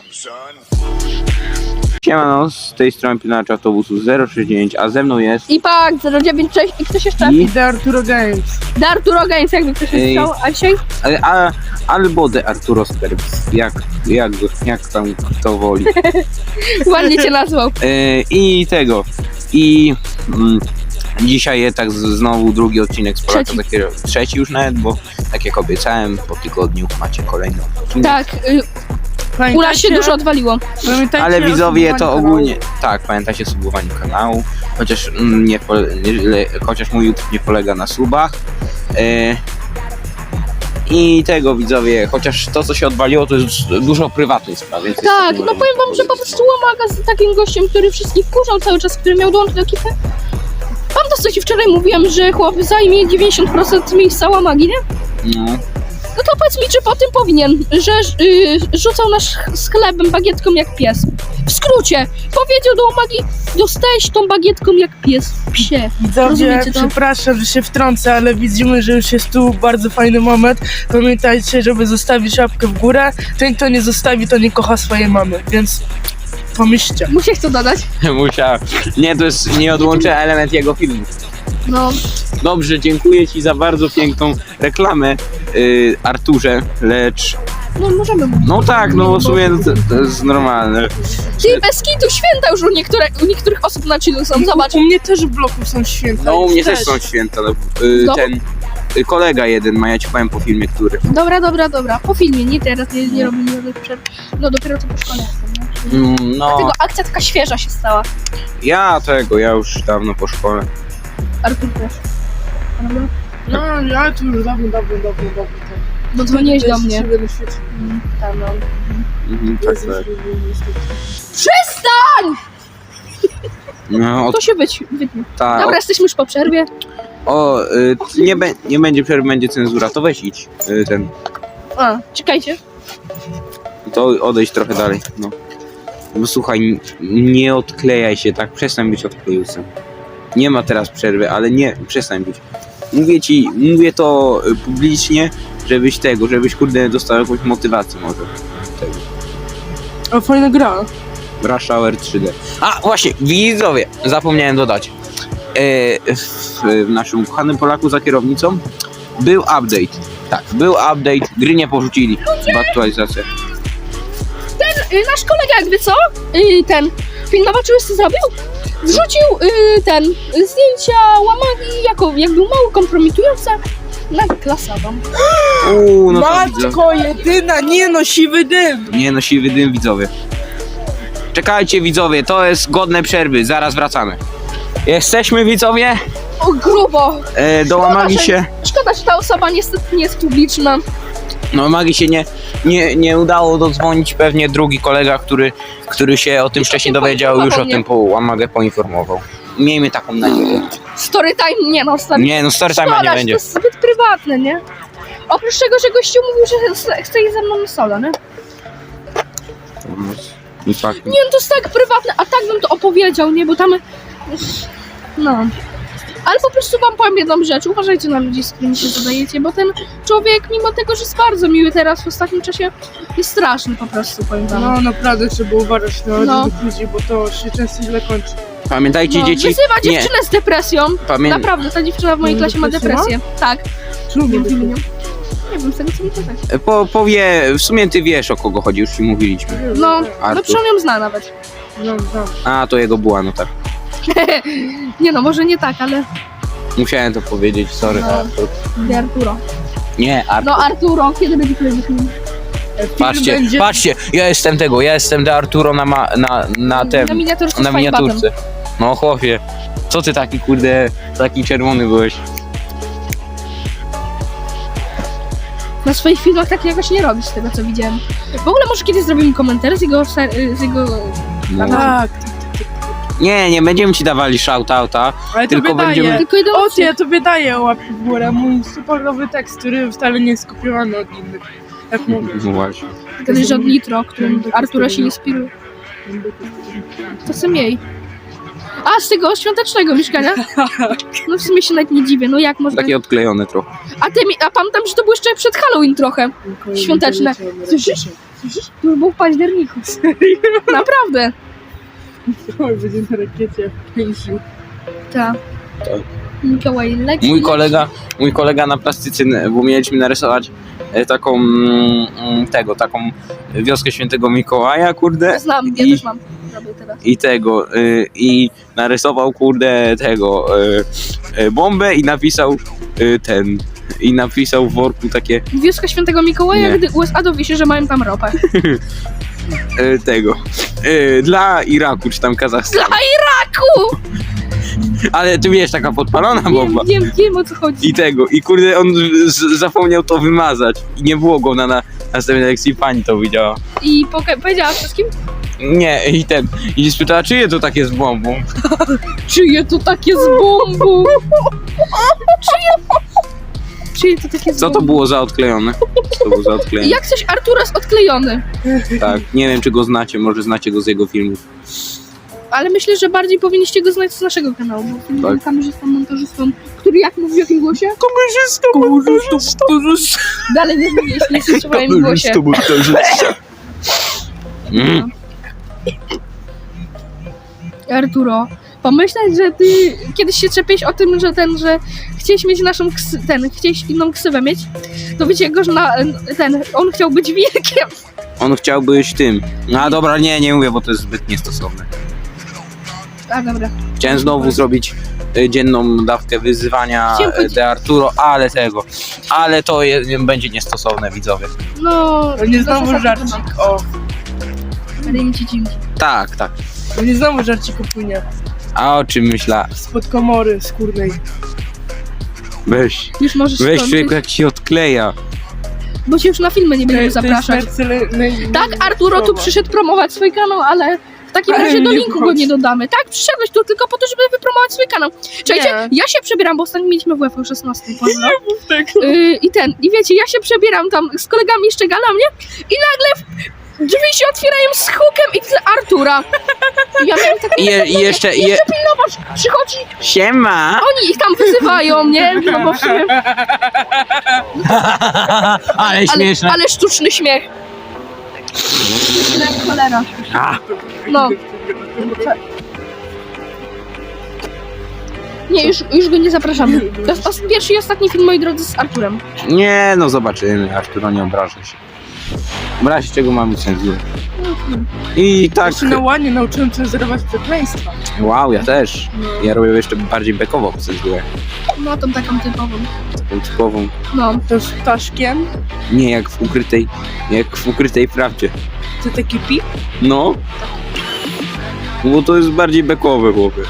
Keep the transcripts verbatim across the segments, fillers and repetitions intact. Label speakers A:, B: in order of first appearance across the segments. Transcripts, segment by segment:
A: Siemano, z tej strony pilnacz autobusu zero sześć dziewięć, a ze mną jest...
B: I pak zero dziewięć sześć i ktoś jeszcze?
A: I
C: The Arturo Games.
B: The Arturo Games, jakby ktoś nie
A: Ej.
B: chciał, a dzisiaj?
A: A, a, albo de Arturo Sterbs, jak, jak, jak tam kto woli.
B: Ładnie cię nazwał.
A: E, I tego, i mm, dzisiaj jest tak z, znowu drugi odcinek z Polaka,
B: Trzeci.
A: takiego, trzeci już nawet, bo tak jak obiecałem, po tygodniu macie kolejny odcinek.
B: Tak, y, u nas się dużo odwaliło.
A: Ale widzowie to ogólnie, tak, pamiętajcie o subowaniu kanału, chociaż, mm, nie, pole- nie, chociaż mój YouTube nie polega na subach. E, I tego widzowie, chociaż to co się odwaliło to jest dużo prywatnych spraw. Więc
B: Tak,
A: jest-
B: no powiem wam, że po prostu Łamaga z takim gościem, który wszystkich kurzał cały czas, który miał dołączyć do ekipy. Pamiętasz, co ci wczoraj mówiłem, że chłop zajmie dziewięćdziesiąt procent miejsca Łamagi, nie?
A: No.
B: No to powiedz mi, czy po tym powinien, że y, rzucał nasz z chlebem bagietką jak pies. W skrócie, powiedział do Łamagi, dostałeś tą bagietką jak pies. Psie.
C: Widzowie,
B: Rozumiecie to?
C: przepraszam, że się wtrącę, ale widzimy, że już jest tu bardzo fajny moment. Pamiętajcie, żeby zostawić łapkę w górę. Ten, kto nie zostawi, to nie kocha swojej mamy, więc pomyślcie.
B: Mu się chce dodać.
A: Musiał. Nie, to jest nieodłączny element jego filmu.
B: No.
A: Dobrze, dziękuję ci za bardzo piękną reklamę, yy, Arturze, lecz...
B: No możemy mówić.
A: No tak, no w sumie to, to jest normalne.
B: Ty, bez kitu, święta już u, niektóre, u niektórych osób na chillu są, zobacz.
C: U mnie też w bloku są święta.
A: No u
C: już
A: mnie też są święta. No, yy,
B: No.
A: ten yy, kolega jeden ma, ja ci powiem po filmie, który.
B: Dobra, dobra, dobra. Po filmie, nie teraz, nie, nie robimy żadnych przerw. No dopiero co po szkole jestem, nie?
A: Mm, no,
B: Dlatego akcja taka świeża się stała.
A: ja tego, ja już dawno po szkole.
B: Artur też. Prawda?
C: No, ja tu już dawno, dawno, dawno, dawno.
B: Bo dzwoniłeś do mnie.
C: Siebie na świecie.
B: Mm, tam, no.
A: Mhm, tak, tak.
B: Przestań!
A: No, od,
B: To się wyć, wytnie.
A: ta,
B: Dobra,
A: od,
B: jesteśmy już po przerwie.
A: o, y, nie, be, nie będzie przerwy, będzie cenzura, to weź idź, y, ten,
B: A, czekajcie.
A: to odejdź trochę dalej, no. Bo słuchaj, n- nie odklejaj się, tak, przestań być odklejusem. Nie ma teraz przerwy, ale nie, przestań być. Mówię ci, mówię to y, publicznie, żebyś tego, żebyś kurde dostał jakąś motywację może. Tego.
C: O, fajna gra.
A: Rush Hour trzy D. A właśnie, widzowie, zapomniałem dodać. E, w, w naszym kochanym Polaku za kierownicą był update. Tak, był update, gry nie porzucili w aktualizację.
B: Ten, y, nasz kolega jakby co? Y, ten, pilnował, czy już co zrobił? Wrzucił y, ten, y, zdjęcia Łamagi jako, jak był mało kompromitujące. Na klasa wam.
A: Uuu, no to widzę.
C: Matko jedyna, nie no, siwy dym.
A: Nie no, siwy dym, widzowie. Czekajcie, widzowie, to jest godne przerwy, zaraz wracamy. Jesteśmy, widzowie,
B: O, grubo.
A: e, do Łamagi
B: że-
A: się...
B: Szkoda, że ta osoba niestety nie jest publiczna.
A: No Magii się nie, nie, nie udało dodzwonić, pewnie drugi kolega, który, który się o tym
B: Już o
A: wcześniej
B: tym
A: dowiedział, już o
B: poinformował
A: tym po Łamagę poinformował. Miejmy taką nadzieję.
B: Story time, nie no, story
A: Nie no, story time'a
B: Szkoda,
A: nie
B: że
A: będzie.
B: to jest zbyt prywatne, nie? Oprócz tego, że gościu mówił, że chce- chce iść ze mną na solo, nie?
A: I tak.
B: Nie, no to jest tak prywatne, a tak bym to opowiedział, nie? Bo tam... No... Ale po prostu wam powiem jedną rzecz, uważajcie na ludzi, z którymi się zadajecie, bo ten człowiek, mimo tego, że jest bardzo miły teraz w ostatnim czasie, jest straszny po prostu, powiem wam.
C: No naprawdę trzeba uważać na
B: No.
C: tych ludzi, bo to się często źle kończy.
A: Pamiętajcie,
B: No,
A: dzieci.
B: wyzywa
A: Nie,
B: dziewczynę z depresją.
A: pamię...
B: Naprawdę, ta dziewczyna w mojej
C: Ma
B: klasie ma
C: depresję,
B: depresję. Tak.
C: Czemu
B: Nie
C: nie
B: wiem, imienia. Nie wiem, z tego co mi to tak.
A: po, powie, w sumie ty wiesz, o kogo chodzi, już ci mówiliśmy.
B: No, no
A: Artur.
B: przynajmniej ją zna nawet.
C: No, no.
A: A, to jego była, no tak.
B: Nie no, może nie tak, ale...
A: Musiałem to powiedzieć, sorry.
B: No.
A: Artur.
B: Nie Arturo.
A: Nie, Artur.
B: No Arturo, kiedy będzie kolejny film?
C: Film
A: Patrzcie,
C: będzie...
A: patrzcie, ja jestem tego, ja jestem de Arturo na, ma, na, na tym,
B: Na miniaturce
A: na
B: z fajbatem.
A: miniaturce. No chłopie, co ty taki kurde, taki czerwony byłeś?
B: Na swoich filmach tak jakoś nie robisz, z tego co widziałem. W ogóle może kiedyś zrobimy komentarz z jego... ser- z jego...
A: No.
C: Tak,
A: Nie, nie będziemy ci dawali shoutouta,
C: ale
A: tylko
C: tobie
A: będziemy...
C: daję.
B: Tylko jeden
C: O,
B: odcinek.
C: ja tobie daję łapkę w górę, mój super nowy tekst, który wcale nie jest skopiowany od innych. Jak mówię.
A: No właśnie.
B: Kiedyś od Nitro, którym Artura się inspiruje. To co miej. A, z tego świątecznego mieszkania? No w sumie się nawet nie dziwię, no jak można...
A: Takie odklejone trochę.
B: A, ty, mi- a pamiętam, że to było jeszcze przed Halloween trochę. Świąteczne. Słyszysz? Słyszysz? To już było w październiku. Naprawdę.
C: Oj, będzie na rakiecie pięciu.
B: Tak.
A: Tak.
B: Mikołaj leci.
A: Mój kolega, mój kolega na plastyce, bo mieliśmy narysować e, taką mm, mm, tego, taką wioskę Świętego Mikołaja, kurde.
B: Znam, ja
A: I-
B: też mam. Robię teraz.
A: I tego, y, i narysował, kurde, tego, y, y, bombę i napisał y, ten, i napisał w worku takie,
B: Wioska Świętego Mikołaja,
A: Nie.
B: gdy U S A dowie się, że mają tam ropę.
A: y, tego, y, dla Iraku, czy tam
B: Dla
A: Kazachstanu.
B: Iraku!
A: Ale ty wiesz, taka podpalona
B: Wiem,
A: bomba.
B: wiem, wiem o co chodzi.
A: I tego, i kurde, on z, zapomniał to wymazać. I nie było go na, na następnej lekcji, pani to widziała.
B: I poka- powiedziała wszystkim,
A: Nie, i ten, i spytała, czyje to takie z bombą?
B: czyje to takie z bombą? Czyje? Czyje to takie z
A: Co to
B: bombą?
A: było za odklejone? Co to było za odklejone?
B: Jak coś Artura jest odklejony.
A: Tak, nie wiem, czy go znacie, może znacie go z jego filmów.
B: Ale myślę, że bardziej powinniście go znać z naszego kanału, bo film
A: Tak.
B: tak. kamerzystą, montażystą, który jak mówi w jakim głosie?
A: Kamerzystą, montażystą,
B: Dalej nie zmieniłeś, nie słyszę w moim głosie.
A: montażystą. Mm.
B: Arturo, pomyśleć, że ty kiedyś się czepiałeś o tym, że ten, że chciałeś mieć naszą ksy, ten, chciałeś inną ksywę mieć, to wiecie go, że na, ten, on chciał być wilkiem.
A: On chciał być tym. No dobra, nie, nie mówię, bo to jest zbyt niestosowne.
B: A dobra.
A: Chciałem znowu zrobić y, dzienną dawkę wyzywania
B: Chciałem
A: y,
B: powiedzieć-
A: de Arturo, ale tego. Ale to je, będzie niestosowne, widzowie.
B: No,
C: To nie znowu
B: zasad
C: żarcik,
B: chyba.
C: o.
B: Rynci dzięki.
A: Tak, tak.
C: To nie znowu żarcik upłynie.
A: A o czym myśla?
C: Spod komory skórnej.
A: Weź.
B: Już możesz
A: Weź
B: skończyć,
A: człowieku, jak się odkleja.
B: bo cię już na filmy nie będziemy zapraszać. Tak, Arturo tu przyszedł promować swój kanał, ale w takim
C: Ale
B: razie do
C: nie
B: linku go
C: wchodź.
B: nie dodamy. Tak, przyszedłeś tu tylko po to, żeby wypromować swój kanał. Czekajcie,
C: Nie.
B: ja się przebieram, bo ostatnio mieliśmy w UEFA szesnaście, pozdro.
C: Tak.
B: Yy, I ten, i wiecie, ja się przebieram tam z kolegami jeszcze gala mnie i nagle w- drzwi się otwierają z hukiem i widzę Artura. I ja miałem takie,
A: I, je, i jeszcze, i je...
B: zobacz, przychodzi,
A: Siema!
B: oni ich tam wyzywają, nie? No bo w sumie,
A: Ale
B: ale,
A: śmieszne.
B: ale sztuczny śmiech. Jak cholera.
A: A,
B: No. Nie, już, już go nie zapraszamy. To jest os- pierwszy i ostatni film, moi drodzy, z Arturem.
A: nie, no zobaczymy. Arturo, nie obrażę się. W razie czego mamy cenzurę. I tak.
C: Ja się na łanie nauczyłem cenzurować przekleństwa.
A: Wow, ja też. Ja robię jeszcze bardziej bekową cenzurę.
B: No, tą taką typową.
A: Taką typową.
B: No.
C: To z ptaszkiem.
A: Nie jak w ukrytej. Jak w ukrytej prawdzie.
C: To taki pip.
A: No. Bo to jest bardziej bekowe, chłopie.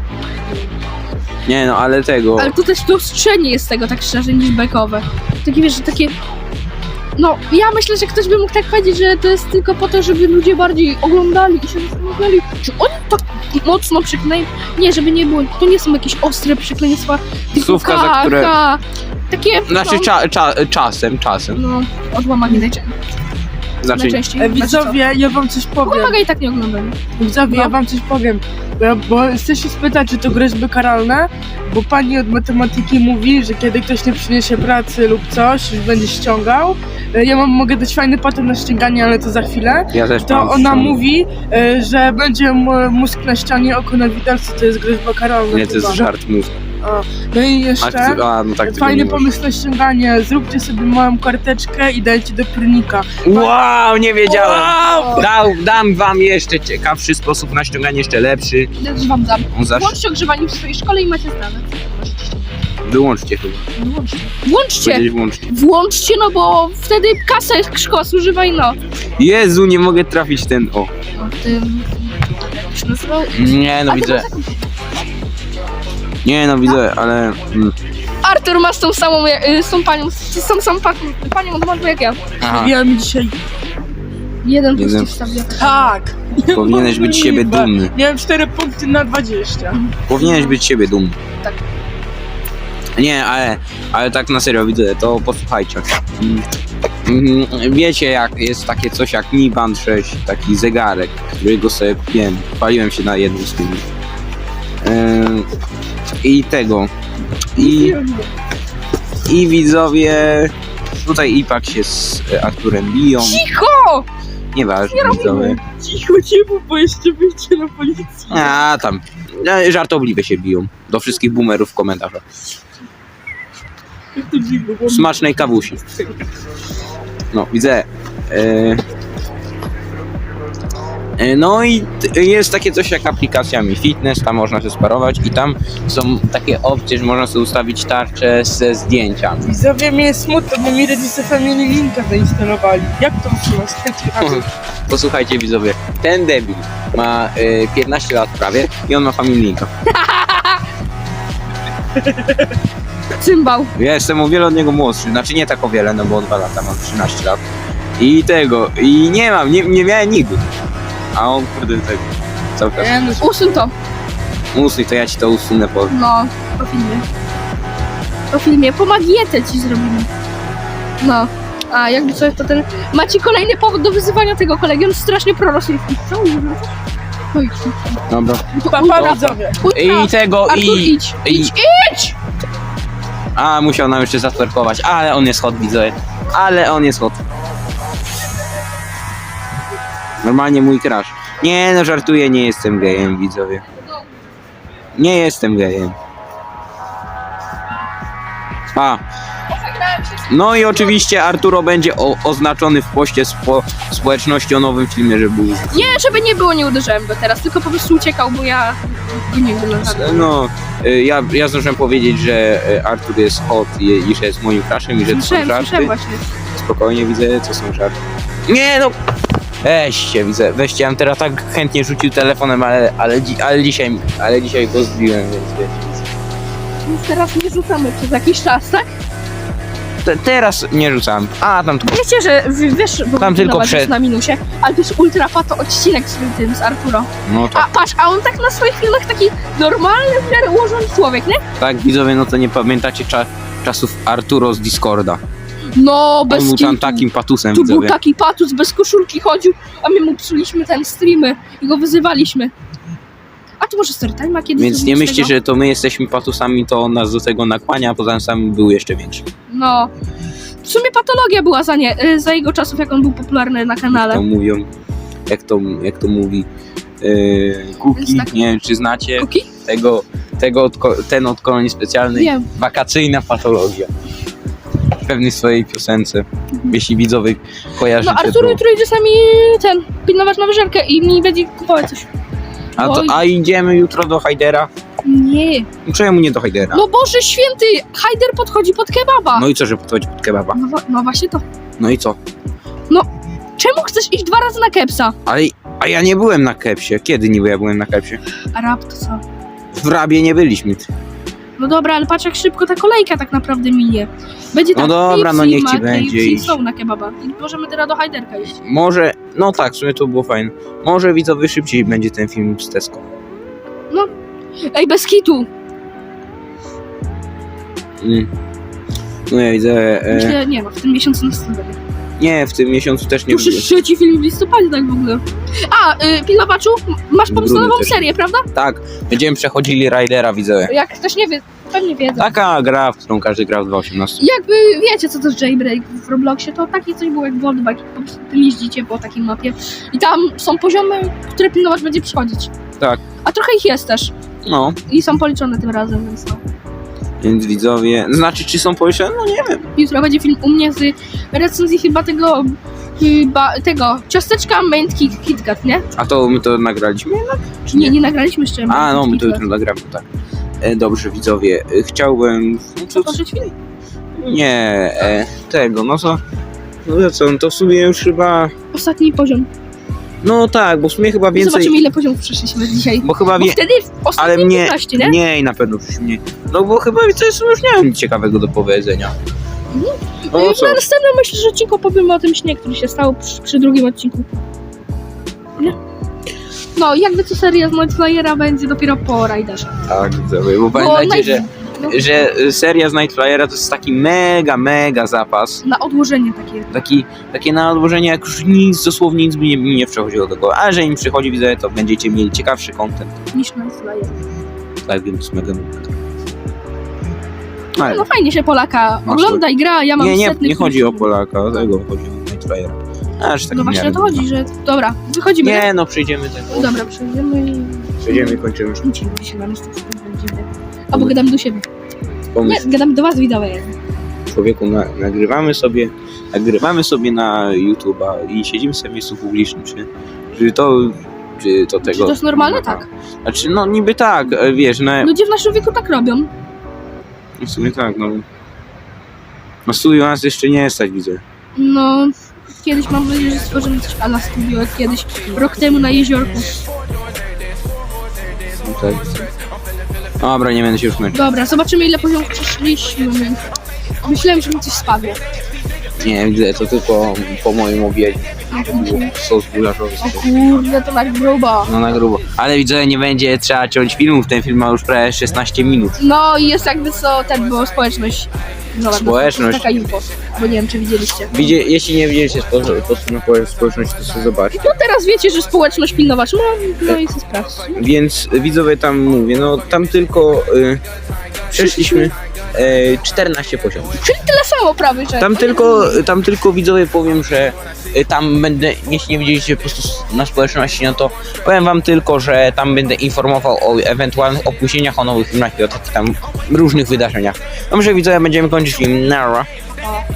A: Nie no, ale tego.
B: Ale to też to ostrzenie jest tego, tak szczerze, niż bekowe. Takie, wiesz, że takie... No, ja myślę, że ktoś by mógł tak powiedzieć, że to jest tylko po to, żeby ludzie bardziej oglądali i się zastanawiali, czy oni tak mocno przykleją. Nie, żeby nie było, to nie są jakieś ostre przekleństwa, tylko
A: Słówka, za
B: ka,
A: które-
B: ka. Takie,
A: Znaczy
B: no,
A: cza, cza, czasem, czasem.
B: no, odłamanie najczę-
A: Znaczy,
B: najczęściej.
C: E,
B: Znaczy
C: widzowie, ja wam coś
B: co?
C: powiem.
B: Pomaga i tak nie oglądam.
C: Widzowie,
B: No.
C: ja wam coś powiem. Bo, ja, bo chcę się spytać, czy to groźby karalne, bo pani od matematyki mówi, że kiedy ktoś nie przyniesie pracy lub coś, już będzie ściągał. E, Ja mam, mogę dać fajny patent na ściąganie, ale to za chwilę.
A: ja też
C: To
A: mam
C: ona
A: ściąg-
C: mówi, e, że będzie m- mózg na ścianie, oko na widelcu, to jest groźba karalna.
A: Nie, to jest
C: chyba.
A: żart mózg.
C: A, no i jeszcze...
A: Akcy... A, no tak, tego
C: Fajny
A: nie można.
C: pomysł na ściąganie. Zróbcie sobie małą karteczkę i dajcie do prynika.
A: Wow, nie wiedziałem.
C: Wow!
A: Dał, dam wam jeszcze ciekawszy sposób na ściąganie, jeszcze lepszy.
B: Ja też wam dam.
A: On zawsze...
B: Włączcie ogrzewanie w swojej szkole i macie zdane.
A: Wyłączcie chyba.
B: Włączcie. Włączcie!
A: Powiedzieć włączcie.
B: Włączcie, no bo wtedy kasę szkoła zużywa i no.
A: Jezu, nie mogę trafić ten... O.
B: O tym... Jak się nazywał?
A: Nie no,
B: A ty
A: widzę.
B: masz taką-
A: Nie no, widzę, ale... Mm.
B: Artur ma z tą samą, y, z tą panią, z tą samą panią, panią od morzu jak ja.
A: Aha,
C: Ja mi dzisiaj...
B: Jeden plus
A: Jeden.
B: ci wstawię.
C: Tak!
A: powinieneś być z siebie dumny.
C: Miałem cztery punkty na dwadzieścia.
A: Powinieneś być z siebie dumny.
B: Tak.
A: Nie, ale, ale tak na serio widzę, to posłuchajcie. Mm, mm, Wiecie, jak jest takie coś jak Mi Band sześć, taki zegarek, którego sobie kupiłem. Paliłem się na jednym z tych. Ym, I tego. I, I widzowie. Tutaj Ipak się z e, Arturem biją.
B: Cicho!
A: Nieważne,
B: Nie robimy.
A: widzowie.
C: Cicho, nie mów, bo jeszcze wyjdzie na policję.
A: A tam, e, żartobliwie się biją. Do wszystkich boomerów w komentarzach.
C: Jak to dziwne, bo...
A: Smacznej kawusi. No, widzę. E, e, no i t- jest takie coś jak aplikacja Mi Fitness, tam można się sparować i tam są takie opcje, że można sobie ustawić tarczę ze zdjęciami.
C: Widzowie, mnie jest smutno, bo mi rodzice Family Linka zainstalowali. Jak to usunąć?
A: Posłuchajcie widzowie, ten debil ma e, piętnaście lat prawie i on ma Family Linka.
B: Cymbał.
A: Ja jestem o wiele od niego młodszy, znaczy nie tak o wiele, no bo dwa lata, mam trzynaście lat. I tego, i nie mam, nie, nie miałem nigdy. A on kurde tego, cały czas.
C: Nie, no,
B: Usuń to.
A: Usuń, to ja ci to usunę po...
B: No, po filmie. Po filmie. Po magietę ci zrobimy. No. A jakby coś to ten... Macie kolejny powód do wyzywania tego kolegi. On strasznie prorosyjski. Co? Oj,
A: Dobra.
C: pa, pa, widzowie.
A: I tego,
B: Artur,
A: i...
B: idź.
A: i
B: Idź, idź!
A: a, musiał nam jeszcze zatwerkować, ale on jest hot, widzowie. Ale on jest hot. Normalnie mój crush. Nie no, żartuję, nie jestem gejem, widzowie. Nie jestem gejem. A. No i oczywiście Arturo będzie o, oznaczony w poście spo, społeczności o nowym filmie, że był.
B: Nie, żeby nie było, nie uderzyłem go teraz, tylko po prostu uciekał, bo ja go nie wyglądam.
A: No, y, ja, ja zdążyłem powiedzieć, że y, Artur jest hot i, i że jest moim crushem i że to są
B: Słyszałem,
A: żarty.
B: słyszałem właśnie.
A: Spokojnie widzę, co są żarty. Nie no! Weźcie, widzę, weźcie, ja bym teraz tak chętnie rzucił telefonem, ale, ale, dzi- ale dzisiaj, ale dzisiaj go zbiłem, więc wiecie.
B: Więc teraz nie rzucamy przez jakiś czas, tak?
A: Te, teraz nie rzucam. A, tam tylko.
B: Wiecie, że w- wiesz, bo
A: Tam tylko
B: zobacz,
A: przed-
B: jest na minusie, ale to jest ultra pato odcinek z tym, z Arturo.
A: No to
B: A patrz, a on tak na swoich filmach taki normalny, w miarę ułożony człowiek, nie?
A: tak, widzowie, no to nie pamiętacie cza- czasów Arturo z Discorda.
B: No, bez
A: On był tam
B: kitu.
A: takim patusem,
B: Tu był
A: widzowie.
B: taki patus, bez koszulki chodził, a my mu psuliśmy ten streamy i go wyzywaliśmy. A tu może Storytime kiedyś
A: Więc nie
B: zrobimy z
A: myślcie,
B: tego?
A: że to my jesteśmy patusami, to on nas do tego nakłania, a poza tym sam był jeszcze większy.
B: No. W sumie patologia była za nie, y, za jego czasów, jak on był popularny na
A: To
B: kanale.
A: mówią, jak to, jak to mówi yy, Kuki,
B: Jest tak-
A: nie wiem czy znacie
B: Kuki?
A: tego, tego od, ko- ten od kolonii specjalnej,
B: Wiem.
A: wakacyjna patologia. W pewnej swojej piosence, jeśli widzowie kojarzycie
B: No Arturo
A: to.
B: jutro idzie sami ten, pilnować na wyżerkę i mi będzie kupować coś.
A: A, to,
B: Oj.
A: a idziemy jutro do Hajdera?
B: Nie.
A: Czemu nie do Hajdera?
B: No Boże święty, Hajder podchodzi pod kebaba.
A: No i co, że podchodzi pod kebaba?
B: No, wa- no właśnie to.
A: No i co?
B: Czemu chcesz iść dwa razy na kepsa?
A: Ale, a ja nie byłem na kepsie. Kiedy niby ja byłem na kepsie?
B: A rap to co?
A: W Rabie nie byliśmy.
B: No dobra, ale patrz jak szybko ta kolejka tak naprawdę minie. Będzie
A: No
B: tak
A: dobra, no
B: Pepsi,
A: niech ci
B: Mac,
A: będzie
B: i
A: iść.
B: są na kebaba. I możemy teraz do Hajderka iść.
A: Może, no tak, w sumie to było fajne. Może widzowie szybciej będzie ten film z Tesco.
B: Ej, bez kitu!
A: Mm. No ja widzę. E,
B: Myślę, nie no, w tym miesiącu następnym.
A: nie, w tym miesiącu też nie
B: Już jest trzeci film w listopadzie tak w ogóle. A, y, pilnowaczu, masz pomysł na
A: Grudniu
B: nową
A: też.
B: serię, prawda?
A: Tak, będziemy przechodzili Ridera, widzę.
B: Jak ktoś nie wie, pewnie wiedzą.
A: Taka gra, w którą każdy gra w dwa osiemnaście.
B: Jakby wiecie co to jest jailbreak w Robloxie, to takie coś było jak World Bike, po prostu tym jeździcie po takiej mapie i tam są poziomy, które pilnować będzie przychodzić.
A: Tak.
B: A trochę ich jest też
A: No,
B: i są policzone tym razem, więc no.
A: więc widzowie. Znaczy, czy są policzone? No nie wiem.
B: Jutro będzie film u mnie z recenzji chyba tego, chyba tego ciasteczka Mint Kit, KitKat, nie?
A: A to my to nagraliśmy jednak? Czy
B: Nie, nie nagraliśmy jeszcze.
A: A, no, my
B: Mint
A: to
B: KitKat.
A: jutro nagramy, tak. E, dobrze, widzowie. E, chciałbym. No, co,
B: Otworzyć film?
A: nie, e, tego, no to. No to co, no to w sumie już chyba.
B: Ostatni poziom.
A: No tak, bo w sumie chyba więcej.
B: Zobaczymy ile poziomów przeszliśmy dzisiaj.
A: Bo chyba
B: Bo
A: wie.
B: wtedy w ostatnim
A: Ale mnie.
B: piętnaście, nie?
A: Mniej na pewno już mniej. No bo chyba więcej już nie mam nic ciekawego do powiedzenia. No
B: No,
A: co?
B: na następnym myślę, że odcinku powiemy o tym śnie, który się stał przy, przy drugim odcinku. Nie? No, jakby co seria z Nightflyera będzie dopiero po Riderze.
A: Tak, widzowie, bo
B: Bo
A: pamiętajcie, że,
B: no,
A: że seria z Nightflyera to jest taki mega, mega zapas.
B: na odłożenie takie.
A: Taki, takie na odłożenie, jak już nic, dosłownie nic mi nie, mi nie przychodziło do głowy. A że im przychodzi, widzę, to będziecie mieli ciekawszy content.
B: Niż Nightflyer.
A: Tak, więc mega. Ale
B: No fajnie się Polaka
A: Masz
B: ogląda i gra, ja mam
A: nie, nie,
B: setny
A: nie chodzi o
B: film.
A: Polaka, o tego chodzi o Nightflyera. Aż tak
B: No
A: w
B: właśnie
A: miarę
B: o to chodzi,
A: dobra.
B: że... Dobra, wychodzimy.
A: Nie, no przejdziemy ten.
B: No dobra, przejdziemy i...
A: Przejdziemy i kończymy.
B: Wrócimy się na miejsce, będziemy. Albo gadamy do siebie. Nie,
A: Pomysł.
B: gadamy do was, widzowie.
A: Człowieku, na, nagrywamy sobie, nagrywamy sobie na YouTube'a i siedzimy sobie w miejscu publicznym, czy, czy to, czy to tego...
B: Czy to jest normalne? Tak.
A: Znaczy, no niby tak, e, wiesz, na,
B: Ludzie w naszym wieku tak robią.
A: w sumie tak, no. Na studiu nas jeszcze nie stać, widzę.
B: No, kiedyś mam nadzieję, że stworzymy coś ala studio, jak kiedyś, rok temu na jeziorku.
A: No, tak. Dobra, nie będę się już męczył.
B: Dobra, zobaczymy ile poziomów przeszliśmy. Myślałem, że mi coś spadło.
A: Nie, widzę, to tylko po moim obiedzie. Sos gulaszowy.
B: O kurde, to tak grubo.
A: No na grubo. Ale widzę, nie będzie trzeba ciąć filmów, ten film ma już prawie szesnaście minut.
B: No i jest jakby co, ten, bo społeczność. Zobacz,
A: Społeczność.
B: Taka info, bo nie wiem, czy widzieliście.
A: Widzie, jeśli nie widzieliście spo, spo, społeczności, to sobie zobaczcie.
B: No teraz wiecie, że społeczność pilnować, no, no i co sprawdź.
A: Więc widzowie tam mówię, no tam tylko y, przeszliśmy y, czternaście poziomów.
B: Czyli tyle samo prawie, że...
A: Tam tylko, tam tylko widzowie powiem, że y, tam będę, jeśli nie widzieliście po prostu na społeczności, no to powiem wam tylko, że tam będę informował o ewentualnych opóźnieniach, o nowych filmach i o takich tam różnych wydarzeniach. Dobrze widzowie, będziemy kończyć film. Nara.
B: O.